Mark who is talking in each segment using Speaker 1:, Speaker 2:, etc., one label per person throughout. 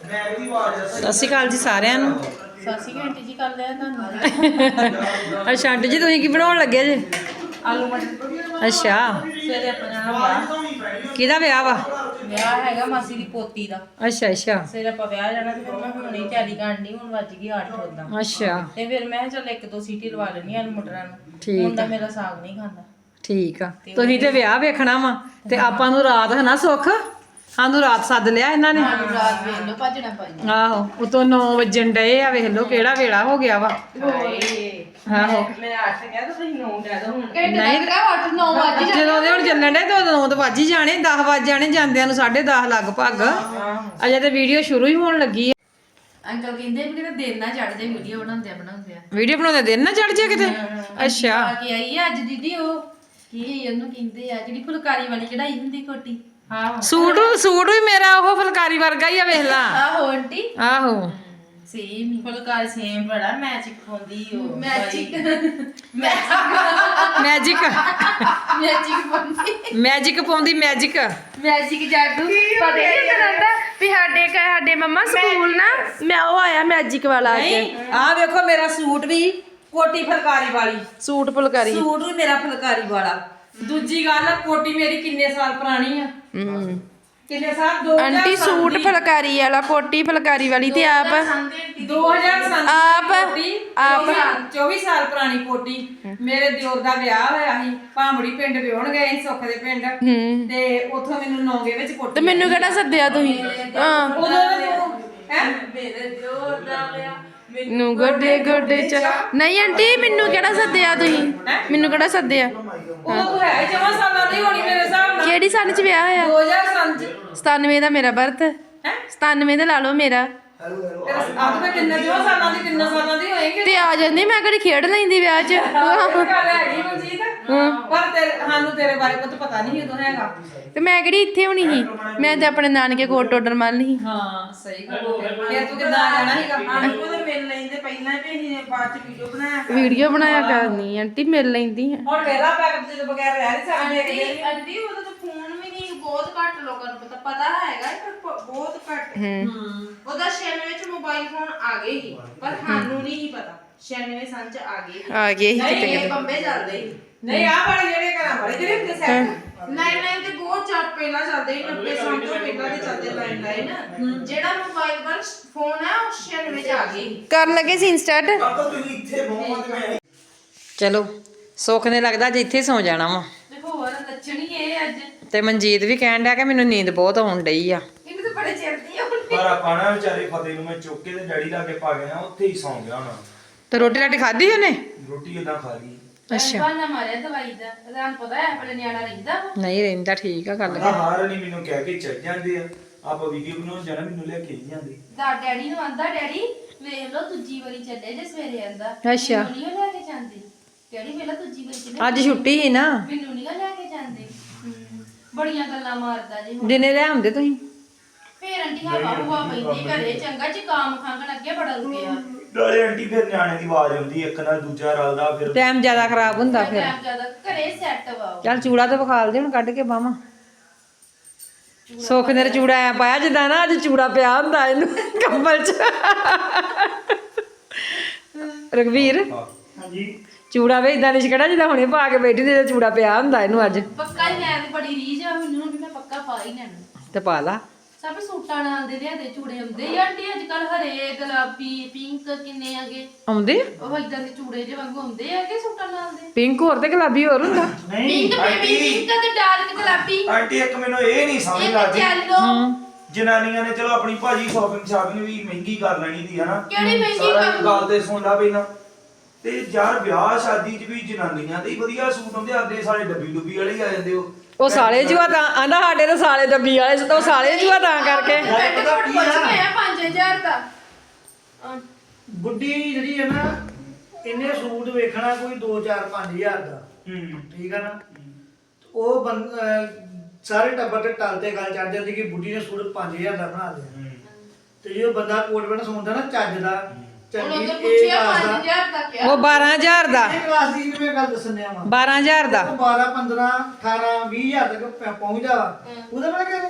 Speaker 1: ਸਤਿ ਸ਼੍ਰੀ ਅਕਾਲ ਜੀ ਸਾਰਿਆਂ ਨੂੰ।
Speaker 2: ਸਤਿ ਸ਼੍ਰੀ ਅਕਾਲ ਆਂਟੀ ਜੀ, ਕਰ ਲਿਆ ਤੁਹਾਨੂੰ।
Speaker 1: ਅੱਛਾ ਆਂਟੀ ਜੀ ਤੁਸੀਂ ਕੀ ਬਣਾਉਣ ਲੱਗੇ ਜੇ?
Speaker 2: ਆਲੂ ਮਟਰ।
Speaker 1: ਅੱਛਾ
Speaker 2: ਸਵੇਰੇ ਆਪਣਾ ਜਾਣਾ ਵਿਆਹ।
Speaker 1: ਕਿਹਦਾ ਵਿਆਹ ਵਾ?
Speaker 2: ਵਿਆਹ ਹੈਗਾ ਮਾਸੀ ਦੀ ਪੋਤੀ ਦਾ।
Speaker 1: ਅੱਛਾ ਅੱਛਾ
Speaker 2: ਸਵੇਰੇ ਆਪਾਂ ਵਿਆਹ ਜਾਣਾ ਤੇ ਫਿਰ ਮੈਂ ਹੁਣੇ ਹੀ ਤਿਆਰੀ ਕਰਨ ਡਈ, ਹੁਣ ਵੱਜ ਗਈ 8 ਉਦਾਂ।
Speaker 1: ਅੱਛਾ
Speaker 2: ਤੇ ਫਿਰ ਮੈਂ ਕਿਹਾ ਚੱਲ ਇੱਕ ਦੋ ਸੀਟੀ ਲਵਾ ਲੈਣੀ ਆਲੂ ਮਟਰਾਂ ਨੂੰ।
Speaker 1: ਠੀਕ
Speaker 2: ਮੁੰਡਾ
Speaker 1: ਆ।
Speaker 2: ਮੇਰਾ ਸਾਗ ਨਹੀਂ ਖਾਂਦਾ।
Speaker 1: ਠੀਕ ਆ, ਤੁਸੀਂ ਤੇ ਵਿਆਹ ਵੇਖਣਾ ਵਾ ਤੇ ਆਪਾਂ ਨੂੰ ਰਾਤ ਹੈ ਨਾ ਸੁੱਖ, ਸਾਨੂੰ ਰਾਤ ਸੱਦ ਲਿਆ ਇਹਨਾਂ ਨੇ।
Speaker 2: ਆਲੂ ਰਾਤ ਵੇਖ ਲਓ ਭੱਜਣਾ ਪਾਈ।
Speaker 1: ਆਹੋ ਉਤੋਂ 9 ਵਜਣ ਡਏ ਆ, ਵੇਖ ਲਓ ਕਿਹੜਾ ਵੇਲਾ ਹੋ ਗਿਆ ਵਾ। ਆਹੋ
Speaker 2: ਮੈਂ 8 ਕਿਹਾ ਤਾਂ ਤੁਸੀਂ 9 ਕਹਿ ਦੋ ਹੁਣ।
Speaker 1: ਨਹੀਂ
Speaker 2: 8 9 ਵਜੇ
Speaker 1: ਜਦੋਂ ਦੇ ਹੁਣ ਚੱਲਣ ਡੇ ਤਾਂ 9 ਤਾਂ ਵੱਜ ਹੀ ਜਾਣੇ, 10 ਵੱਜ ਜਾਣੇ ਜਾਂਦਿਆਂ ਨੂੰ, 10:30 ਲਗਭਗ। ਅਜੇ ਤੇ ਵੀਡੀਓ ਸ਼ੁਰੂ ਹੀ ਹੋਣ ਲੱਗੀ ਆ।
Speaker 2: ਅੰਕਲ ਕਹਿੰਦੇ ਵੀ ਕਿਤੇ ਦਿਨ ਨਾ ਚੜ ਜਾਏ ਵੀਡੀਓ ਬਣਾਉਂਦੇ ਆ।
Speaker 1: ਵੀਡੀਓ ਬਣਾਉਂਦੇ ਦਿਨ ਨਾ ਚੜ ਜਾ ਕਿਤੇ। ਅੱਛਾ
Speaker 2: ਆ ਕੇ ਆਈ ਆ ਅੱਜ ਦੀਦੀ, ਉਹ ਕੀ ਉਹਨੂੰ ਕਹਿੰਦੇ ਆ ਜਿਹੜੀ ਫੁਲਕਾਰੀ ਵਾਲੀ ਕਢਾਈ ਹੁੰਦੀ ਕੋਟੀ। ਹਾਂ
Speaker 1: ਸੂਟ ਵੀ ਮੇਰਾ ਉਹ ਫੁਲਕਾਰੀ ਵਰਗਾ ਹੀ ਆ, ਵੇਖ ਲਾ।
Speaker 2: ਆਹੋ ਆਂਟੀ
Speaker 1: ਆਹੋ
Speaker 2: ਸੇਮ ਹੀ ਫੁਲਕਾਰੀ ਸੇਮ ਬੜਾ ਮੈਚਿਕ ਪਾਉਂਦੀ ਉਹ ਮੈਚਿਕ
Speaker 1: ਮੈਜਿਕ
Speaker 2: ਪਾਉਂਦੀ
Speaker 1: ਮੈਜਿਕ ਪਾਉਂਦੀ ਮੈਜਿਕ
Speaker 2: ਜਾਦੂ ਪਤਾ ਨਹੀਂ ਹੁੰਦਾ ਵੀ ਸਾਡੇ ਮੰਮਾ ਸਕੂਲ ਨਾ ਮੈਂ ਉਹ ਆਇਆ ਮੈਜਿਕ ਵਾਲਾ
Speaker 1: ਨਹੀਂ ਆਹ ਵੇਖੋ ਮੇਰਾ ਸੂਟ ਵੀ ਕੋਟੀ ਫੁਲਕਾਰੀ ਵਾਲੀ।
Speaker 2: ਸੂਟ ਫੁਲਕਾਰੀ
Speaker 1: ਸੂਟ ਵੀ ਮੇਰਾ ਫੁਲਕਾਰੀ ਵਾਲਾ। ਦੂਜੀ ਗੱਲ ਕੋਟੀ ਮੇਰੀ ਕਿੰਨੇ ਸਾਲ ਪੁਰਾਣੀ ਆ। ਕਿੰਨੇ ਸਾਲ? 2007
Speaker 2: ਆਂਟੀ ਸੂਟ ਫੁਲਕਾਰੀ ਵਾਲਾ ਕੋਟੀ ਫੁਲਕਾਰੀ ਵਾਲੀ ਤੇ ਆਪ
Speaker 1: 2007
Speaker 2: ਆਪ
Speaker 1: 24 ਸਾਲ ਪੁਰਾਣੀ ਕੋਟੀ। ਮੇਰੇ ਦਿਓਰ ਦਾ ਵਿਆਹ ਹੋਇਆ ਸੀ, ਭਾਂਬੜੀ ਪਿੰਡ ਵਿਆਹਣ ਗਏ ਸੀ, ਸੁੱਖ ਦੇ ਪਿੰਡ, ਤੇ ਉੱਥੋਂ ਮੈਨੂੰ ਨੌਂਗੇ ਵਿੱਚ ਕੋਟੀ।
Speaker 2: ਤੇ ਮੈਨੂੰ ਕਿਹੜਾ ਸੱਦਿਆ ਤੁਸੀਂ? ਹਾਂ
Speaker 1: ਉਦੋਂ ਮੇਰੇ ਦਿਓਰ ਦਾ ਵਿਆਹ
Speaker 2: ਨੂੰ ਗੋਡੇ ਚ ਨਹੀਂ ਆਂਟੀ ਮੈਨੂੰ ਕਿਹੜਾ ਸੱਦਿਆ ਤੁਸੀਂ? ਮੈਨੂੰ ਕਿਹੜਾ ਸੱਦਿਆ?
Speaker 1: ਉਦੋਂ ਤੂੰ ਹੈ 4 ਸਾਲਾਂ ਦੀ ਹੋਣੀ ਮੇਰੇ ਹਿਸਾਬ ਨਾਲ।
Speaker 2: ਕਿਹੜੀ ਸਾਲ ਚ ਵਿਆਹ ਹੋਇਆ?
Speaker 1: 2007 ਚ।
Speaker 2: 97 ਦਾ ਮੇਰਾ ਬਰਥ। 97 ਦਾ ਲਾ ਲਓ ਮੇਰਾ।
Speaker 1: ਆਪ ਤਾਂ ਕਿੰਨੇ 4 ਸਾਲਾਂ ਦੀ ਹੋਏਗੀ
Speaker 2: ਤੇ ਆ ਜਾਂਦੀ ਮੈਂ ਕਿਹੜੀ ਖੇਡ ਲੈਂਦੀ ਵਿਆਹ ਚ।
Speaker 1: ਗੱਲ ਹੈਗੀ ਮਨਜੀਤ, ਪਰ ਸਾਨੂੰ ਤੇਰੇ ਬਾਰੇ ਕੁਝ ਪਤਾ ਨਹੀਂ ਉਦੋਂ ਹੈਗਾ।
Speaker 2: ਤੇ ਮੈਂ ਕਿਹੜੀ ਇੱਥੇ ਹੋਣੀ ਸੀ? ਮੈਂ ਤੇ ਆਪਣੇ ਨਾਨਕੇ ਕੋਟ ਟੋਡਰ ਮੰਨ ਲਈ।
Speaker 1: ਹਾਂ ਸਹੀ ਗੱਲ ਹੋ ਗਈ। ਫਿਰ ਤੂੰ ਕਿੱਦਾਂ ਆ ਜਾਣਾ ਸੀਗਾ?
Speaker 3: ਆਂਟੀ ਉਹਦੇ ਮਿਲ ਲੈਂਦੇ ਪਹਿਲਾਂ ਹੀ, ਵੀ ਅਸੀਂ ਬਾਅਦ ਚ ਵੀਡੀਓ ਬਣਾਇਆ
Speaker 2: ਵੀਡੀਓ ਬਣਾਇਆ ਕਰਨੀ ਆਂਟੀ, ਮਿਲ ਲੈਂਦੀ ਹੈ।
Speaker 1: ਹੁਣ ਵੇਲਾ ਪੈਕ ਦੇ ਬਗੈਰ ਰਹਿ ਨਹੀਂ ਸਕਦੇ।
Speaker 3: ਆਂਟੀ ਉਹਦਾ ਤਾਂ ਫੋਨ ਵੀ ਨਹੀਂ, ਬਹੁਤ ਘੱਟ ਲੋਕਾਂ ਨੂੰ ਪਤਾ ਹੈਗਾ ਪਰ ਬਹੁਤ ਘੱਟ। ਉਹਦਾ 96 ਵਿੱਚ ਮੋਬਾਈਲ ਫੋਨ ਆ ਗਏ ਸੀ ਪਰ ਸਾਨੂੰ ਨਹੀਂ ਸੀ ਪਤਾ। 96 ਸੰਨ ਚ ਆ ਗਏ
Speaker 2: ਆ ਗਏ ਸੀ ਕਿਤੇ
Speaker 3: ਇਹ ਬੰਬੇ ਚੱਲਦੇ ਸੀ।
Speaker 1: ਨਹੀਂ ਆ ਬੜੇ ਜਿਹੜੇ ਘਰਾਂ ਬੜੇ ਜਿਹੜੇ ਹੁੰਦੇ ਸੈੱਟ
Speaker 3: ਲਾਈਨ ਤੇ ਬਹੁਤ ਚੱਲ ਪਹਿਲਾਂ ਚੱਲਦੇ ਸੀ, 90 ਸੰਨ ਤੋਂ ਪਹਿਲਾਂ ਦੇ ਚੱਲਦੇ ਲਾਈਨ। ਜਿਹੜਾ ਮੋਬਾਈਲ ਪਰ ਫੋਨ ਹੈ ਉਹ 96 ਚ ਆ ਗਏ ਸੀ।
Speaker 2: ਕਰਨ ਲੱਗੇ ਸੀ ਇੰਸਟਾਟ।
Speaker 1: ਚਲੋ ਸੁੱਖ ਨੇ ਲੱਗਦਾ ਜੇ ਇੱਥੇ ਸੌ ਜਾਣਾ ਵਾ।
Speaker 2: ਦੇਖੋ ਹੋਰ ਲੱਛਣੀ ਇਹ ਅੱਜ
Speaker 1: ਤੇ ਮਨਜੀਤ ਵੀ ਕਹਿਣ ਡਿਆ ਕਿ ਮੈਨੂੰ ਨੀਂਦ ਬਹੁਤ ਆਉਣ ਡਈ ਆ।
Speaker 2: ਇਹਨੂੰ ਤਾਂ ਬੜੇ ਚਿਰ ਦੀ ਆ।
Speaker 4: ਪਰ ਆਪਾਂ ਨਾ ਵਿਚਾਰੇ ਫਤਿਹ ਨੂੰ ਮੈਂ ਚੁੱਕ ਕੇ ਤੇ ਡੈਡੀ ਲਾਗੇ ਪਾ ਗਿਆ, ਉੱਥੇ ਹੀ ਸੌਂ ਗਿਆ ਹੋਣਾ।
Speaker 1: ਤੇ ਰੋਟੀ ਰਾਟੀ ਖਾਧੀ ਉਹਨੇ?
Speaker 4: ਰੋਟੀ ਏਦਾਂ ਖਾ ਲਈ।
Speaker 1: ਅੱਛਾ
Speaker 2: ਬਾਨਾ ਮਾਰਿਆ ਦਵਾਈ ਦਾ, ਤੁਹਾਨੂੰ ਪਤਾ ਹੈ ਆਪਣੇ ਨਿਆਣਾ ਰਹਿੰਦਾ ਵਾ।
Speaker 1: ਨਹੀਂ ਰਹਿੰਦਾ, ਠੀਕ ਆ ਗੱਲ।
Speaker 4: ਕਹਿੰਦਾ ਹਾਰ ਨਹੀਂ ਮੈਨੂੰ ਕਹਿ ਕੇ ਚੱਲ ਜਾਂਦੇ ਆ, ਆਪਾਂ ਵੀਡੀਓ ਬਣਾਉਣ ਜਾਣਾ ਮੈਨੂੰ ਲੈ ਕੇ ਨਹੀਂ ਜਾਂਦੇ।
Speaker 2: ਦਾ ਡੈਡੀ ਨੂੰ ਆਂਦਾ ਡੈਡੀ ਵੇਖ ਲਓ ਦੂਜੀ ਵਾਰੀ ਚੱਲੇ ਜੇ ਸਵੇਰੇ ਆਂਦਾ।
Speaker 1: ਅੱਛਾ।
Speaker 2: ਮੈਨੂੰ ਨਹੀਂ ਲੈ ਕੇ ਜਾਂਦੇ ਡੈਡੀ, ਵੇਖ ਲਓ ਦੂਜੀ ਵਾਰੀ ਚੱਲੇ।
Speaker 1: ਅੱਜ ਛੁੱਟੀ ਸੀ ਨਾ,
Speaker 2: ਮੈਨੂੰ ਨਹੀਂ ਲੈ ਕੇ ਜਾਂਦੇ। ਬੜੀਆਂ ਗੱਲਾਂ ਮਾਰਦਾ ਜੀ ਹੁਣ।
Speaker 1: ਦਿਨੇ ਲੈ ਆਉਂਦੇ ਤੁਸੀਂ।
Speaker 2: ਫੇਰ ਆਂਟੀ ਹਵਾ ਹੁਵਾ ਪੈਂਦੀ ਘਰੇ, ਚੰਗਾ ਜ਼ੁਕਾਮ ਖੰਘਣ ਅੱਗੇ ਬੜਾ ਰੁਕਿਆ।
Speaker 4: ਨਾਲੇ ਆਂਟੀ ਫਿਰ ਨਿਆਣੇ ਦੀ ਆਵਾਜ਼ ਆਉਂਦੀ, ਇੱਕ ਨਾਲ ਦੂਜਾ ਰਲਦਾ, ਫਿਰ
Speaker 1: ਟਾਈਮ ਜ਼ਿਆਦਾ ਖਰਾਬ ਹੁੰਦਾ ਫਿਰ।
Speaker 2: ਟਾਈਮ ਜ਼ਿਆਦਾ ਘਰੇ ਸੈੱਟ ਵਾ ਉਹ।
Speaker 1: ਚੱਲ ਚੂੜਾ ਤੇ ਵਿਖਾਲ ਦੇ ਹੁਣ ਕੱਢ ਕੇ ਬਾਵਾਂ। ਸੁੱਖ ਨੇ ਚੂੜਾ ਐ ਪਾਇਆ ਜਿੱਦਾਂ ਨਾ ਅੱਜ ਚੂੜਾ ਪਿਆ ਹੁੰਦਾ ਇਹਨੂੰ ਕੰਬਲ 'ਚ। ਰਘਵੀਰ
Speaker 4: ਹਾਂਜੀ
Speaker 1: ਚੂੜਾ ਵੇ ਇਦਾਂ ਨਹੀਂ ਕਿਹੜਾ ਜਿੱਦਾਂ ਹੁਣੇ ਪਾ ਕੇ ਬੈਠੀ ਤੇ ਚੂੜਾ ਪਿਆ ਹੁੰਦਾ ਇਹਨੂੰ ਅੱਜ।
Speaker 2: ਪੱਕਾ ਹੀ ਮੈਂ ਤੇ ਬੜੀ ਰੀਝ ਆ ਮੈਨੂੰ ਵੀ ਮੈਂ ਪੱਕਾ ਪਾ ਹੀ ਲੈਣਾ।
Speaker 1: ਤੇ ਪਾ ਲਾ।
Speaker 2: ਸਭ ਸੂਟਾਂ ਨਾਲ ਦੇ ਲਿਆਦੇ ਚੂੜੇ ਹੁੰਦੇ ਆ ਆਂਟੀ ਅੱਜ ਕੱਲ, ਹਰੇ ਗੁਲਾਬੀ ਪਿੰਕ ਕਿੰਨੇ ਆਗੇ
Speaker 1: ਆਉਂਦੇ
Speaker 2: ਉਹ ਇਦਾਂ ਦੇ ਚੂੜੇ ਜਿਹੇ ਵਾਂਗੂ ਹੁੰਦੇ ਆਗੇ ਸੂਟਾਂ ਨਾਲ ਦੇ।
Speaker 1: ਪਿੰਕ ਹੋਰ ਤੇ ਗੁਲਾਬੀ ਹੋਰ ਹੁੰਦਾ।
Speaker 4: ਨਹੀਂ
Speaker 2: ਪਿੰਕ ਪਿੰਕ ਤੇ ਡਾਰਕ ਗੁਲਾਬੀ,
Speaker 4: ਆਂਟੀ ਇੱਕ ਮੈਨੂੰ ਇਹ ਨਹੀਂ ਸਮਝ
Speaker 2: ਇੱਕ
Speaker 4: ਲੱਗਦੀ,
Speaker 2: ਯੈਲੋ।
Speaker 4: ਜਨਾਨੀਆਂ ਨੇ ਚਲੋ ਆਪਣੀ ਭਾਜੀ ਸ਼ਾਪਿੰਗ ਵੀ ਮਹਿੰਗੀ ਕਰ ਲੈਣੀ ਦੀ ਹਨਾ।
Speaker 2: ਕਿਹੜੀ ਮਹਿੰਗੀ
Speaker 4: ਸਾਰਾ
Speaker 2: ਕਰ?
Speaker 4: ਗੱਲ ਤੇ ਸੁਣਦਾ ਪਹਿਲਾਂ ਤੇ ਯਾਰ ਵਿਆਹ ਸ਼ਾਦੀ 'ਚ ਵੀ ਜਨਾਨੀਆਂ ਦੇ ਹੀ ਵਧੀਆ ਸੂਟ ਹੁੰਦੇ, ਆਦੇ ਸਾਰੇ ਡੱਬੀ ਵਾਲੇ ਹੀ ਆ ਜਾਂਦੇ
Speaker 1: ਉਹ ਸਾਲੇ ਜੂਆ ਤਾਂ ਆਂਦਾ ਸਾਡੇ ਤਾਂ ਸਾਲੇ ਡੱਬੀ ਵਾਲੇ ਤੋਂ ਸਾਲੇ ਜੂਆ ਤਾਂ ਕਰਕੇ।
Speaker 2: ਬੈੱਡ ਕੋਟ ਪੁੱਛ ਕੇ ਆ 5000 ਦਾ।
Speaker 5: ਬੁੱਢੀ ਜਿਹੜੀ ਹੈ ਨਾ, ਇਹਨੇ ਸੂਟ ਵੇਖਣਾ ਕੋਈ 2-4-5 ਹਜ਼ਾਰ ਦਾ। ਠੀਕ ਆ ਨਾ? ਉਹ ਸਾਰੇ ਟੱਬਰ ਤੇ ਟਲ ਤੇ ਗੱਲ ਚੜ ਜਾਂਦੀ ਕਿ ਬੁੱਢੀ ਨੇ ਸੂਟ 5000 ਦਾ ਬਣਾ ਲਿਆ। ਤੇ ਜੇ ਉਹ ਬੰਦਾ ਕੋਟ ਪੈਂਟ ਸੌਂਦਾ ਨਾ ਚੱਜ ਦਾ,
Speaker 2: ਉਹਨੂੰ
Speaker 5: ਚੰਗੀ
Speaker 2: ਤਾਂ
Speaker 5: ਇਹ
Speaker 2: ਪੁੱਛਿਆ
Speaker 5: ਕਲਾਸ
Speaker 2: 5000 ਦਾ ਕਿਹਾ।
Speaker 1: ਉਹ 12000 ਦਾ,
Speaker 5: ਇਹ ਕਲਾਸ ਦੀ ਮੈਂ ਗੱਲ ਦੱਸਣਿਆ ਵਾ।
Speaker 1: 12000 ਦਾ।
Speaker 5: 12-15-18-20 ਹਜ਼ਾਰ ਤੱਕ ਪਹੁੰਚਦਾ ਵਾ। ਉਹਦਾ ਮੈਂ ਕਹਿੰਦਾ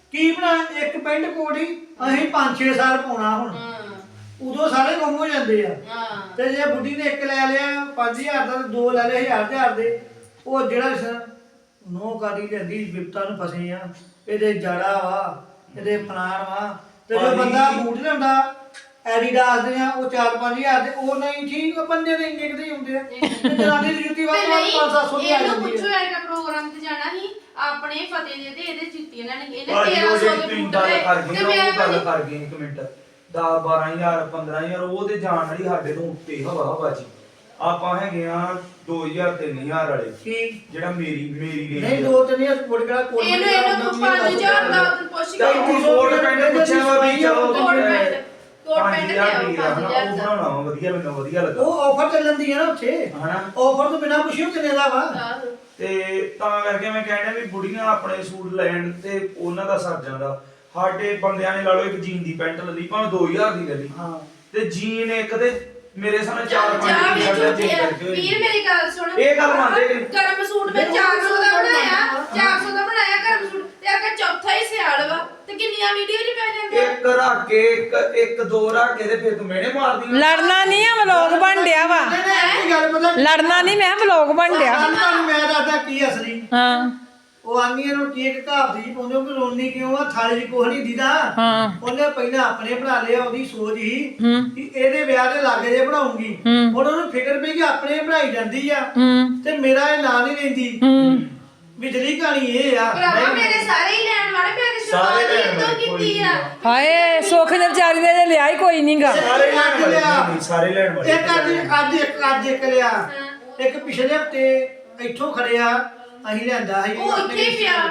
Speaker 5: ਕੀ ਬਣਾ ਇੱਕ ਪੈਂਟ ਕੋਟ ਹੀ ਅਸੀਂ 5-6 ਸਾਲ ਪਾਉਣਾ ਹੁਣ ਉਦੋਂ ਸਾਰੇ ਗੁੰਮ ਹੋ ਜਾਂਦੇ ਆ ਤੇ ਜੇ ਬੁੱਢੀ ਨੇ ਇੱਕ ਲੈ ਲਿਆ 5000 ਦਾ ਤੇ 2 ਲੈ ਲਏ 1000 ਦੇ ਉਹ ਜਿਹੜਾ ਨੋ ਕਾਦੀ ਲੈਂਦੀ ਵਿਪਤਾ ਨੂੰ ਫਸੇ ਆ ਇਹਦੇ ਜੜਾ ਵਾ ਇਹਦੇ ਫਲਾਣ ਵਾ ਤੇ ਜੋ ਬੰਦਾ ਬੂਟ ਲਿਆਉਂਦਾ ਐਡੀਡਾਸ ਦੇ ਆ ਉਹ 4-5000 ਦੇ ਉਹ ਨਹੀਂ ਠੀਕ ਬੰਦੇ ਦੇ ਇੰਨੇ ਕਿਤੇ ਹੁੰਦੇ ਆ ਤੇ ਜਨਾਨੀ ਦੀ ਜੁੱਤੀ ਵਾਲਾ 500-700 ਦੀ ਆ
Speaker 3: ਇਹਨੂੰ
Speaker 5: ਜਾਂਦੀ
Speaker 3: ਪੁੱਛੋ
Speaker 5: ਹੈ
Speaker 3: ਇੱਕ ਪ੍ਰੋਗਰਾਮ ਤੇ ਜਾਣਾ ਸੀ ਆਪਣੇ ਫਤਿਹ ਦੇ ਤੇ ਇਹਦੇ ਜੁੱਤੀਆਂ ਲੈਣੀ ਇਹਨੇ
Speaker 4: ਭਾਜੀ ਉਹ
Speaker 3: 1300
Speaker 4: ਜਿਹੜੀ
Speaker 3: ਦੇ
Speaker 4: ਤੁਸੀਂ
Speaker 3: ਬੂਟ
Speaker 4: ਗੱਲ
Speaker 3: ਲਏ
Speaker 4: ਕਰ ਗਏ
Speaker 3: ਤੇ
Speaker 4: ਨਾ,
Speaker 3: ਮੈਂ
Speaker 4: ਉਹ ਗੱਲ ਕਰ ਗਏ ਇੱਕ ਮਿੰਟ 10-12000 15,000 ਉਹ ਤੇ ਜਾਣ ਵਾਲੀ ਸਾਡੇ ਤੋਂ ਉੱਤੇ ਹਵਾ ਜੀ ਆਪਾਂ ਹੈਗੇ ਆ 2000-3000 ਵਾਲੇ
Speaker 5: ਕੀ
Speaker 4: ਜਿਹੜਾ ਮੇਰੀ
Speaker 5: ਨਹੀਂ
Speaker 4: ਰੇਂਜ
Speaker 5: 2-3 ਕੋਟ ਕਿਹੜਾ ਕੋਟ
Speaker 3: ਇਹਨੂੰ 5000 ਦਾ ਉਧਰ ਪੁੱਛ ਕੇ
Speaker 4: ਤਾਂ ਕੋਟ ਪੈਂਟ ਪੁੱਛਿਆ ਵਾ ਵੀ ਚਲੋ
Speaker 3: ਕੋਟ ਪੈਂਟ ਤੇ ਆਓ
Speaker 4: 5000
Speaker 3: 5000
Speaker 4: ਉਹ
Speaker 3: ਦਾ
Speaker 4: ਬਣਾਉਣਾ ਵਾ, ਵਧੀਆ ਮੈਨੂੰ ਵਧੀਆ ਲੱਗਾ
Speaker 5: ਉਹ ਆਫਰ ਚੱਲਣ ਦੀ ਹੈ ਨਾ ਉੱਥੇ
Speaker 4: ਹਨਾ
Speaker 5: ਆਫਰ ਤੋਂ ਬਿਨਾ ਪੁੱਛਿਓ ਕਿੰਨੇ ਦਾ ਵਾ
Speaker 3: ਆਹੋ।
Speaker 4: ਤੇ ਤਾਂ ਕਰਕੇ ਮੈਂ ਕਹਿੰਦਾ ਵੀ ਬੁੜੀਆਂ ਆਪਣੇ ਸੂਟ ਲੈਣ ਤੇ ਉਹਨਾਂ ਦਾ ਸਰ ਜਾਂਦਾ ਸਾਡੇ ਬੰਦਿਆਂ ਨੇ ਲਾ ਲਓ ਇੱਕ ਜੀਨ ਦੀ ਪੈਂਟ ਲੈ ਲਈ ਭਾਵੇਂ 2000 ਦੀ ਲੈ ਲਈ
Speaker 5: ਹਾਂ
Speaker 4: ਤੇ ਜੀਨ ਇੱਕ ਤੇ ਮੇਰੇ ਸਾਹਮਣੇ
Speaker 3: ਜਾ
Speaker 4: 4-5
Speaker 3: ਵੀ
Speaker 4: ਦੀ
Speaker 3: ਝੂਠੇ ਆ।
Speaker 4: ਕਰਕੇ ਹੋਈ।
Speaker 3: ਵੀਰ ਮੇਰੀ ਗੱਲ ਸੁਣ
Speaker 4: ਇਹ ਗੱਲ ਮੰਨਦੇ ਕਿ ਨਹੀਂ?
Speaker 3: ਗਰਮ ਸੂਟ ਮੈਂ 400 ਦਾ ਬਣਾਇਆ 400 ਦਾ ਬਣਾਇਆ ਗਰਮ ਸੂਟ ਤੇ ਅੱਗੇ ਚੌਥਾ ਹੀ ਸਿਆਲ ਵਾ ਤੇ ਕਿੰਨੀਆਂ ਵੀਡੀਓ ਚ ਪੈ ਜਾਂਦੇ
Speaker 4: ਇੱਕ ਰੱਖ ਕੇ ਇੱਕ ਦੋ ਰੱਖ ਕੇ ਤੇ ਫਿਰ ਤੂੰ ਮਿਹਣੇ ਮਾਰਦੀ ਆ।
Speaker 1: ਲੜਨਾ ਨਹੀਂ ਆ ਵਲੋਗ ਬਣ ਡਿਆ ਵਾ
Speaker 5: ਨਹੀਂ ਨਹੀਂ ਇਹ ਗੱਲ ਪਤਾ
Speaker 1: ਲੜਨਾ ਨਹੀਂ ਮੈਂ ਵਲੋਗ ਬਣ ਡਿਆ
Speaker 5: ਤੁਹਾਨੂੰ ਮੈਂ ਦੱਸਦਾ ਕੀ ਅਸਲੀ
Speaker 1: ਹਾਂ
Speaker 5: ਉਹ ਆਂਦੀਆਂ ਨੂੰ ਕੀ ਇੱਕ ਕਹਾਵਤ ਜੀ ਪਾਉਂਦੇ ਹੋ ਕਿ ਰੋਣੀ ਕਿਉਂ ਆ ਥਾਲੀ 'ਚ ਕੁਛ ਨਹੀਂ ਦੀਦਾ
Speaker 1: ਹਾਂ
Speaker 5: ਉਹਨੇ ਪਹਿਲਾਂ ਆਪਣੇ ਬਣਾ ਲਿਆ ਉਹਦੀ ਸੋਚ ਹੀ ਕਿ ਇਹਦੇ ਵਿਆਹ ਦੇ ਲਾਗੇ ਜੇ ਬਣਾਉਂਗੀ ਹੁਣ ਉਹਨੂੰ ਫਿਕਰ ਪਈ ਕਿ ਆਪਣੇ ਬਣਾਈ ਜਾਂਦੀ ਆ ਤੇ ਮੇਰਾ ਇਹ ਨਾਂ ਨਹੀਂ ਲੈਂਦੀ ਵਿਚਲੀ ਕਹਾਣੀ ਇਹ ਆ
Speaker 3: ਭਰਾਵਾ ਮੇਰੇ ਸਾਰੇ ਹੀ ਲੈਣ ਵਾਲੇ ਮੈਂ ਤੇ
Speaker 4: ਸਾਰੇ
Speaker 3: ਸ਼ੁਰੂਆਤ
Speaker 4: ਲੈਣ
Speaker 3: ਹੀ ਤੋਂ
Speaker 4: ਵਾਲੇ,
Speaker 3: ਕੀਤੀ
Speaker 4: ਕੋਈ
Speaker 3: ਆ
Speaker 1: ਹਾਏ ਸੁੱਖ ਨੇ ਵਿਚਾਰੀ ਨੇ ਜੇ ਲਿਆ ਹੀ ਕੋਈ ਨਹੀਂਗਾ
Speaker 4: ਸਾਰੇ ਲੈਣ ਵਾਲੇ ਨਹੀਂ, ਸਾਰੇ ਲੈਣ ਵਾਲੇ
Speaker 5: ਇੱਕ ਅੱਜ ਇੱਕ ਲਿਆ ਇੱਕ ਪਿਛਲੇ ਹਫਤੇ ਇੱਥੋਂ ਖੜਿਆ ਅਸੀਂ ਲਿਆਂਦਾ ਸੀ
Speaker 3: ਉਹ ਇੱਥੇ ਹੀ ਪਿਆ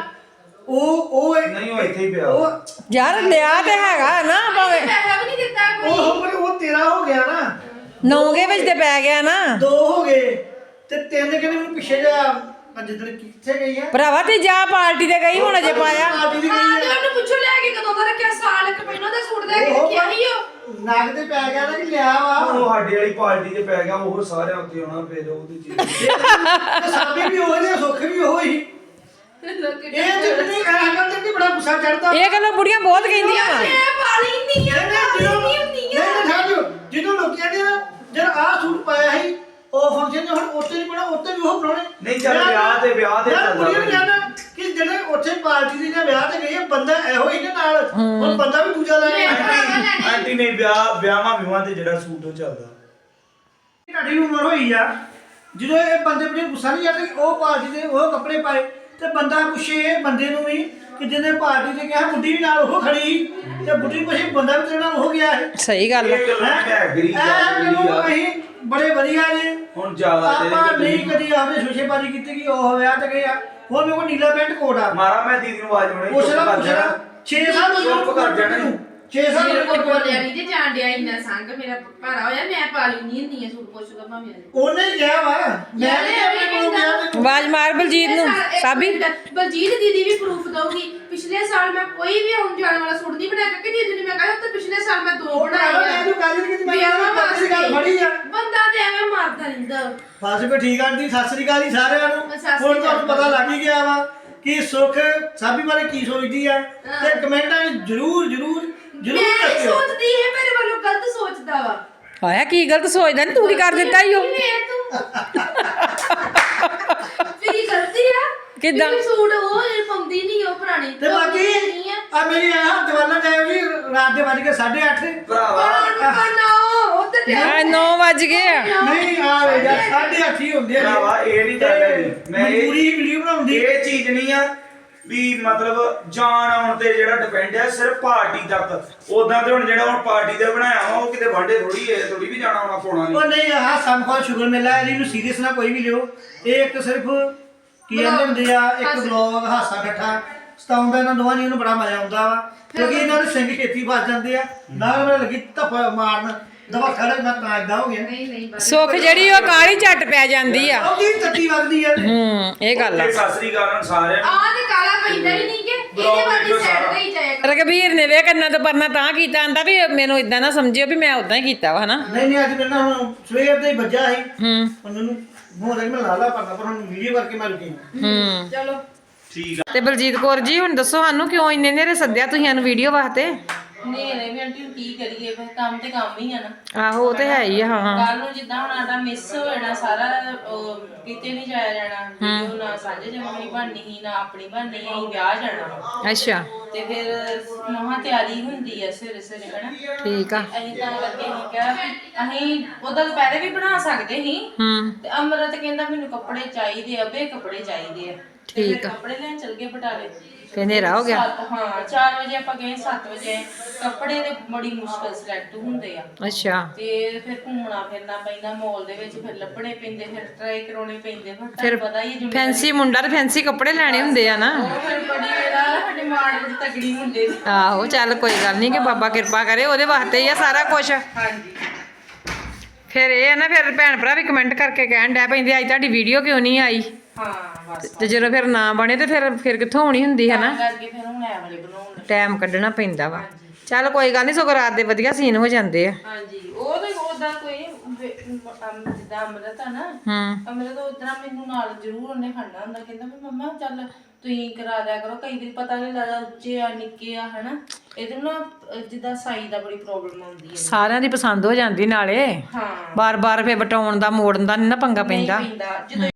Speaker 5: ਉਹ
Speaker 4: ਨਹੀਂ ਉਹ ਇੱਥੇ ਹੀ ਪਿਆ
Speaker 5: ਉਹ
Speaker 1: ਯਾਰ ਲਿਆ ਤੇ ਹੈਗਾ ਨਾ ਭਾਵੇਂ
Speaker 3: ਪੈਸਾ ਵੀ ਨਹੀਂ ਦਿੱਤਾ ਕੋਈ
Speaker 5: ਉਹ ਤੇਰਾ ਹੋ ਗਿਆ ਨਾ
Speaker 1: ਨੌਂਗੇ ਵਿੱਚ ਤੇ ਪੈ ਗਿਆ ਨਾ
Speaker 5: 2 ਹੋ ਗਏ ਤੇ 3 ਕਹਿੰਦੇ ਮੈਨੂੰ ਪਿੱਛੇ ਜਾ ਜਿੱਦਣ ਕਿੱਥੇ ਗਈ ਆ
Speaker 1: ਭਰਾਵਾ ਤੇ ਜਾ ਪਾਰਟੀ ਤੇ ਗਈ ਹੁਣ ਅਜੇ ਪਾਇਆ
Speaker 5: ਪਾਰਟੀ ਦੀ
Speaker 3: ਹਾਂ
Speaker 5: ਗਈ
Speaker 3: ਤੇ
Speaker 5: ਆ
Speaker 3: ਉਹਨੂੰ ਪੁੱਛੋ ਲੈ ਕੇ ਕਦੋਂ ਦਾ ਰੱਖਿਆ ਸਾਲ ਇੱਕ ਪਹਿਲਾਂ ਦਾ ਸੂਟ ਲੈ ਕੇ ਰੱਖਿਆ ਸੀ ਉਹ
Speaker 5: ਨੱਕ ਤੇ ਪੈ ਗਿਆ ਨਾ ਕਿ ਲਿਆ ਵਾ
Speaker 4: ਉਹ ਸਾਡੇ ਵਾਲੀ ਪਾਰਟੀ 'ਚ ਪੈ ਗਿਆ ਉਹ ਸਾਰਿਆਂ ਉੱਤੇ ਆਉਣਾ ਫਿਰ ਉਹਦੀ ਚੀਜ਼
Speaker 5: ਸਾਬੀ ਵੀ ਉਹ ਨੇ ਸੁੱਖ ਵੀ ਉਹ ਹੀ ਇਹ ਜਿੰਨੀ ਹੈਗਾ ਤੇ ਬੜਾ ਗੁੱਸਾ ਚੜਦਾ
Speaker 1: ਇਹ ਗੱਲਾਂ ਬੁੜੀਆਂ ਬਹੁਤ ਕਹਿੰਦੀਆਂ ਵਾ
Speaker 3: ਮੈਂ ਪਾਲੀ ਨਹੀਂ ਆ
Speaker 5: ਜਦੋਂ ਲੋਕੀ ਕਹਿੰਦੇ ਆ ਜਦ ਆਹ ਸੂਟ ਪਾਇਆ ਸੀ ਉਹ ਫੰਕਸ਼ਨ ਨੇ ਹੁਣ ਉੱਥੇ ਨਹੀਂ ਪਾਉਣਾ ਉੱਥੇ ਵੀ ਉਹ ਪਾਉਣੇ
Speaker 4: ਨਹੀਂ ਚੱਲ ਵਿਆਹ ਤੇ
Speaker 5: ਯਾਰ ਕੁੜੀਆਂ ਨੂੰ
Speaker 4: ਚੱਲਦਾ
Speaker 5: ਕਹਿਣਾ ਕਿ ਜਿਹੜੇ ਉੱਥੇ ਪਾਰਟੀ ਦੀ ਜਾਂ ਵਿਆਹ ਤੇ ਗਈ ਹੈ ਬੰਦਾ ਇਹੋ ਹੀ ਨੇ ਨਾਲ ਹੁਣ ਬੰਦਾ ਵੀ ਦੂਜਾ ਲੈ ਆਇਆ
Speaker 4: ਆਂਟੀ ਨੇ ਵਿਆਹਾਂ ਤੇ ਜਿਹੜਾ ਸੂਟ ਉਹ ਚੱਲਦਾ
Speaker 5: ਤੁਹਾਡੀ ਉਮਰ ਹੋਈ ਆ ਜਦੋਂ ਇਹ ਬੰਦੇ ਬੜੇ ਗੁੱਸਾ ਨਹੀਂ ਜਾਂਦਾ ਕਿ ਉਹ ਪਾਰਟੀ ਦੇ ਉਹ ਕੱਪੜੇ ਪਾਏ ਤੇ ਬੰਦਾ ਪੁੱਛੇ ਇਹ ਬੰਦੇ ਨੂੰ ਵੀ ਕਿ ਜਿਹਨੇ ਪਾਰਟੀ ਤੇ ਕਿਹਾ ਬੁੱਢੀ ਵੀ ਨਾਲ ਉਹ ਖੜੀ ਤੇ ਬੁੱਢੀ ਪੁੱਛੇ ਬੰਦਾ ਵੀ ਤੇਰੇ ਨਾਲ ਹੋ ਗਿਆ ਹੈ
Speaker 1: ਸਹੀ ਗੱਲ ਆ
Speaker 4: ਇਹ ਗੱਲਾਂ ਮੈਂ ਐਗਰੀ
Speaker 5: ਮੈਨੂੰ ਅਸੀਂ ਬੜੇ ਵਧੀਆ ਨੇ
Speaker 4: ਹੁਣ ਜ਼ਿਆਦਾ
Speaker 5: ਆਪਾਂ ਨਹੀਂ ਕਦੀ ਆਵੇ ਸ਼ੋਸ਼ੇਬਾਜ਼ੀ ਕੀਤੀ ਕਿ ਉਹ ਵਿਆਹ ਤੇ ਗਏ ਆ ਹੁਣ ਮੇਰੇ ਕੋਲ ਨੀਲਾ ਪੈਂਟ ਕੋਟ ਆ
Speaker 4: ਮਾਰਾ ਮੈਂ ਦੀਦੀ ਨੂੰ ਆਵਾਜ਼ ਬਣਾਈ
Speaker 5: ਉਸ ਨਾਲ ਪੁੱਛਣਾ 6 ਸਾਲ
Speaker 4: ਚੁੱਪ ਕਰ ਜਾਣਾ
Speaker 5: 6 ਸਾਲ
Speaker 3: ਮੇਰੇ ਕੋਲ ਬੋਲਿਆ ਨਹੀਂ ਜੇ ਜਾਣ ਡਿਆ ਇੰਨਾ ਸੰਗ ਮੇਰਾ ਭਾਰਾ ਹੋਇਆ ਮੈਂ ਪਾਲੀ ਨਹੀਂ ਹੁੰਦੀ ਆ ਸੂਟ ਪੁੱਛਦਾ ਭਾਵੇਂ
Speaker 5: ਉਹਨੇ ਕਿਹਾ ਵਾ ਮੈਂ ਨਹੀਂ ਆਪਣੇ ਕੋਲ ਗਿਆ ਮੈਨੂੰ
Speaker 1: ਆਵਾਜ਼ ਮਾਰ ਬਲਜੀਤ ਨੂੰ ਸਾਬੀ
Speaker 3: ਬਲਜੀਤ ਦੀਦੀ ਵੀ ਪ੍ਰੂਫ ਦਊਗੀ ਪਿਛਲੇ ਸਾਲ ਮੈਂ ਕੋਈ ਵੀ ਆਉਣ ਜਾਣ ਵਾਲਾ ਸੂਟ ਨਹੀਂ ਬਣਾਇਆ ਕਿ ਦੀਦੀ ਨੇ ਮੈਂ ਕਿਹਾ ਤੇ ਪਿਛਲੇ ਸਾਲ ਮੈਂ 2 ਬਣਾਏ ਆ
Speaker 5: ਮੈਂ ਜੋ ਕਾਜੀ ਕਿ ਮੈਂ
Speaker 3: ਵਿਆਹਾਂ
Speaker 5: ਵਾਸਤੇ ਗੱਲ ਫੜੀ ਆ
Speaker 3: ਬੰਦਾ ਤੇ ਐਵੇਂ ਮਾਰਦਾ ਰਹਿੰਦਾ
Speaker 5: ਬਸ ਵੀ ਠੀਕ ਆਂਟੀ ਸਤਿ ਸ੍ਰੀ ਅਕਾਲ ਜੀ ਸਾਰਿਆਂ ਨੂੰ
Speaker 3: ਸਤਿ ਸ੍ਰੀ
Speaker 5: ਹੁਣ ਤੁਹਾਨੂੰ
Speaker 3: ਅਕਾਲ।
Speaker 5: ਪਤਾ ਲੱਗ ਹੀ ਗਿਆ ਵਾ ਕਿ ਸੁੱਖ ਸਾਬੀ ਬਾਰੇ ਕੀ ਸੋਚਦੀ ਆ ਤੇ ਕਮੈਂਟਾਂ ਵਿੱਚ ਜਰੂਰ
Speaker 3: ਮੈਂ ਨਹੀਂ
Speaker 5: ਦੱਸਿਓ
Speaker 3: ਸੋਚਦੀ ਇਹ ਮੇਰੇ ਵੱਲੋਂ ਗਲਤ ਸੋਚਦਾ ਵਾ
Speaker 1: ਆਇਆ ਕੀ ਗਲਤ ਸੋਚਦਾ ਨਹੀਂ ਤੂੰ ਕੀ ਕਰ ਦਿੱਤਾ ਈ ਉਹ
Speaker 3: ਕਿਵੇਂ ਤੂੰ ਮੇਰੀ ਗਲਤੀ ਆ
Speaker 1: ਕਿੱਦਾਂ?
Speaker 3: ਵੀ ਸੂਟ ਉਹ ਇਹ ਪਾਉਂਦੀ ਨਹੀਂ ਉਹ ਪੁਰਾਣੀ
Speaker 5: ਤੇ ਬਾਕੀ ਆ ਮੇਰੀ ਆ ਹੱਥ ਵਾਲਾ ਜਾਇਓ ਜੀ ਰਾਤ ਦੇ ਵੱਜ ਕੇ 8:30
Speaker 4: ਭਰਾਵਾ
Speaker 3: ਉਧਰ
Speaker 1: ਹਾਂ 9 ਵੱਜ ਗਏ ਆ
Speaker 5: ਨਹੀਂ ਆ ਵੇ ਜਾ 8:30 ਹੀ ਹੁੰਦੇ ਆ
Speaker 4: ਭਰਾਵਾ ਇਹ ਨਹੀਂ ਗੱਲ ਹੈਗੀ ਮੈਂ
Speaker 5: ਪੂਰੀ ਵੀਡੀਓ ਬਣਾਉਂਦੀ
Speaker 4: ਇਹ ਚੀਜ਼ ਨਹੀਂ ਆ ਵੀ ਮਤਲਬ ਜਾਣ ਆਉਣ ਤੇ ਜਿਹੜਾ ਡਿਪੈਂਡ ਹੈ ਸਿਰਫ ਪਾਰਟੀ ਤੱਕ ਉਦਾਂ ਤੇ ਹੁਣ ਜਿਹੜਾ ਹੁਣ ਪਾਰਟੀ ਦੇ ਬਣਾਇਆ ਵਾ ਉਹ ਕਿਤੇ ਵਾਂਡੇ ਥੋੜੀ ਹੈ ਥੋੜੀ ਵੀ ਜਾਣਾ ਆਉਣਾ ਪਾਉਣਾ
Speaker 5: ਉਹ
Speaker 4: ਨਹੀਂ
Speaker 5: ਨਹੀਂ ਆਹ ਸੰਖਵਾ ਸ਼ੁਗਰ ਮੇਲਾ ਹੈ ਇਹਨੂੰ ਸੀਰੀਅਸ ਨਾ ਕੋਈ ਵੀ ਲਿਓ ਇਹ ਇੱਕ ਸਿਰਫ ਕੀ ਕਹਿੰਦੇ ਹੁੰਦੇ ਆ ਇੱਕ ਵਲੌਗ ਹਾਸਾ ਠੱਠਾ ਸਤਾਉਂਦਾ ਇਹਨਾਂ ਦੋਵਾਂ ਜੀ ਨੂੰ ਬੜਾ ਮਜ਼ਾ ਆਉਂਦਾ ਵਾ ਕਿਉਂਕਿ ਇਹਨਾਂ ਦੇ ਸਿੰਘ ਛੇਤੀ ਫਸ ਜਾਂਦੇ ਆ ਨਾਲ ਮੈਂ ਲੱਗੀ ਧੱਫਾ ਮਾਰਨ ਦਵਾ ਖੜਾ ਮੈਂ ਤਾਂ ਇਦਾਂ ਹੋ ਗਿਆ
Speaker 3: ਨਹੀਂ ਬਸ
Speaker 1: ਸੁੱਖ ਜਿਹੜੀ ਉਹ ਕਾਲੀ ਝੱਟ ਪੈ ਜਾਂਦੀ ਆ
Speaker 5: ਉਹਦੀ ਤੱਤੀ ਵੱਗਦੀ ਆ
Speaker 1: ਇਹ ਗੱਲ ਆ
Speaker 4: ਤੇ ਸਤਿ ਸ੍ਰੀ ਅਕਾਲ ਸਾਰਿਆਂ ਨੂੰ
Speaker 3: ਆਹ ਤੇ ਕਾਲਾ ਪੈਂਦਾ ਹੀ ਨਹੀਂ ਕਿ ਇਹਦੇ ਵਾਲੀ ਸਾਈਡ ਤੇ ਹੀ ਜਾਏਗਾ
Speaker 1: ਰਘਬੀਰ ਨੇ ਵੇ ਕੰਨਾਂ ਤੋਂ ਪਰਨਾ ਤਾਂ ਕੀਤਾ ਆਂਦਾ ਵੀ ਮੈਨੂੰ ਇਦਾਂ ਨਾ ਸਮਝਿਓ ਵੀ ਮੈਂ ਉਦਾਂ ਹੀ ਕੀਤਾ ਵਾ ਹਨਾ
Speaker 5: ਨਹੀਂ ਅੱਜ ਮੇਰੇ ਨਾਲ ਹੁਣ ਸਵੇਰ ਦੇ ਹੀ ਵੱਜਾ ਸੀ
Speaker 1: ਹੂੰ
Speaker 5: ਹੁਣ ਮੈਨੂੰ ਮੋਹ ਮੈਂ ਲਾਲਾ ਪਰਨਾ ਪਰ ਹੁਣ ਵੀਡੀਓ ਕਰਕੇ ਮੈਂ ਰੁਕੀ
Speaker 1: ਹੂੰ
Speaker 3: ਚਲੋ
Speaker 4: ਠੀਕ ਆ।
Speaker 1: ਤੇ ਬਲਜੀਤ ਕੌਰ ਜੀ ਹੁਣ ਦੱਸੋ ਸਾਨੂੰ ਕਿਉਂ ਇੰਨੇ ਨੇਰੇ ਸੱਦਿਆ ਤੁਸੀਂ ਸਾਨੂੰ ਵੀਡੀਓ ਵਾਸਤੇ?
Speaker 3: ਨਹੀਂ ਵੀ ਆਂਟੀ ਕੀ ਕਰੀਏ ਫਿਰ ਕੰਮ ਤੇ ਕੰਮ ਹੀ ਆ ਨਾ।
Speaker 1: ਆਹੋ ਉਹ ਤੇ ਹੈ ਹੀ ਆ, ਹਾਂ।
Speaker 3: ਕੱਲ ਨੂੰ ਜਿੱਦਾਂ ਹੁਣ ਆਟਾ ਮਿਸ ਹੋ ਜਾਣਾ ਸਾਰਾ, ਕਿਤੇ ਨਹੀਂ ਜਾਇਆ ਜਾਣਾ, ਵੀਡੀਓ ਨਾ ਸਾਂਝੇ ਜਮਣੀ ਬਣਨੀ ਸੀ ਨਾ ਆਪਣੀ ਬਣਨੀ ਸੀ, ਵਿਆਹ ਜਾਣਾ।
Speaker 1: ਅੱਛਾ
Speaker 3: ਤੇ ਫਿਰ ਮਹਾ ਤਿਆਰੀ ਹੁੰਦੀ ਆ ਸਵੇਰੇ ਸਵੇਰੇ ਹਨਾ।
Speaker 1: ਠੀਕ ਆ।
Speaker 3: ਅਸੀਂ ਤਾਂ ਕਰਕੇ ਅਸੀਂ ਕਿਹਾ ਵੀ ਅਸੀਂ ਉਹਦਾ ਦੁਪਹਿਰੇ ਵੀ ਬਣਾ ਸਕਦੇ ਸੀ। ਤੇ ਅਮਰਤ ਕਹਿੰਦਾ ਮੈਨੂੰ ਕੱਪੜੇ ਚਾਹੀਦੇ ਆ, ਵੇ ਕੱਪੜੇ ਚਾਹੀਦੇ ਆ। ਤੇ ਫਿਰ ਕੱਪੜੇ ਲੈਣ ਚਲ ਗਏ ਬਟਾਲੇ।
Speaker 1: ਫੇਰ ਹਨੇਰਾ ਹੋ ਗਿਆ।
Speaker 3: ਹਾਂ 4 ਵਜੇ ਆਪਾਂ ਗਏ, 7 ਵਜੇ ਕੱਪੜੇ ਤੇ ਬੜੀ ਮੁਸ਼ਕਲ ਸਿਲੈਕਟ ਹੁੰਦੇ ਆ।
Speaker 1: ਅੱਛਾ
Speaker 3: ਤੇ ਫਿਰ ਘੁੰਮਣਾ ਫਿਰਨਾ ਪੈਂਦਾ ਮਾਲ ਦੇ ਵਿੱਚ, ਫਿਰ ਲੱਭਣੇ ਪੈਂਦੇ, ਫਿਰ ਟਰਾਈ ਕਰਾਉਣੇ ਪੈਂਦੇ।
Speaker 1: ਫਿਰ
Speaker 3: ਪਤਾ ਹੀ ਹੈ
Speaker 1: ਫੈਂਸੀ ਮੁੰਡਾ ਤੇ ਫੈਂਸੀ ਕੱਪੜੇ ਲੈਣੇ ਹੁੰਦੇ ਆ ਨਾ।
Speaker 3: ਉਹ ਫਿਰ ਬੜੀ ਇਹਦਾ ਸਾਡੀ ਮਾੜ ਬੜੀ ਤਗੜੀ ਹੁੰਦੇ ਸੀ।
Speaker 1: ਆਹੋ ਚੱਲ ਕੋਈ ਗੱਲ ਨਹੀਂ ਕਿ ਬਾਬਾ ਕਿਰਪਾ ਕਰੇ, ਉਹਦੇ ਵਾਸਤੇ ਹੀ ਆ ਸਾਰਾ ਕੁਝ।
Speaker 3: ਹਾਂਜੀ
Speaker 1: ਫਿਰ ਇਹ ਆ ਨਾ, ਫਿਰ ਭੈਣ ਭਰਾ ਵੀ ਕਮੈਂਟ ਕਰਕੇ ਕਹਿਣ ਡੈ ਪੈਂਦੇ ਅੱਜ ਤੁਹਾਡੀ ਵੀਡੀਓ ਕਿਉਂ ਨਹੀਂ ਆਈ।
Speaker 3: ਹਾਂ ਬਸ
Speaker 1: ਤੇ ਜਦੋਂ ਫਿਰ ਨਾ ਬਣੇ ਤੇ ਫਿਰ ਕਿੱਥੋਂ ਹੋਣੀ ਹੁੰਦੀ ਹੈ ਨਾ।
Speaker 3: ਕਰਕੇ ਫਿਰ ਹੁਣ ਐ ਵਾਲੇ ਬਣਾਉਣ।
Speaker 1: ਟਾਈਮ ਕੱਢਣਾ ਪੈਂਦਾ ਵਾ। ਚੱਲ ਕੋਈ ਗੱਲ ਨਹੀਂ, ਸਗੋਂ ਰਾਤ ਦੇ ਵਧੀਆ ਸੀਨ ਹੋ ਜਾਂਦੇ ਆ।
Speaker 3: ਹਾਂਜੀ ਉਹ ਤੇ ਉਹਦਾ ਕੋਈ ਜਿੱਦਾਂ ਅਮਰਤ ਆ ਨਾ, ਅਮਰਤ ਉਦਾਂ ਮੈਨੂੰ ਨਾਲ ਜ਼ਰੂਰ ਉਹਨੇ ਖੜਨਾ ਹੁੰਦਾ। ਕਹਿੰਦਾ ਵੀ ਮੰਮਾ ਚੱਲ ਤੁਸੀਂ ਕਰਾ ਦਿਆ ਕਰੋ, ਕਈ ਵਾਰੀ ਪਤਾ ਨਹੀਂ ਲੱਗਦਾ ਉੱਚੇ ਆ ਨਿੱਕੇ ਆ ਹਨਾ। ਇਹਦੇ ਨਾ ਜਿੱਦਾਂ ਸਾਈ ਦਾ ਬੜੀ ਪ੍ਰੋਬਲਮ ਆਉਂਦੀ ਹੈ।
Speaker 1: ਸਾਰਿਆਂ ਦੀ ਪਸੰਦ ਹੋ ਜਾਂਦੀ ਨਾਲੇ।
Speaker 3: ਹਾਂ
Speaker 1: ਬਾਰ-ਬਾਰ ਫਿਰ ਵਟਾਉਣ ਦਾ ਮੋੜਨ ਦਾ ਨਹੀਂ ਨਾ ਪੰਗਾ ਪੈਂਦਾ।
Speaker 3: ਜਦੋਂ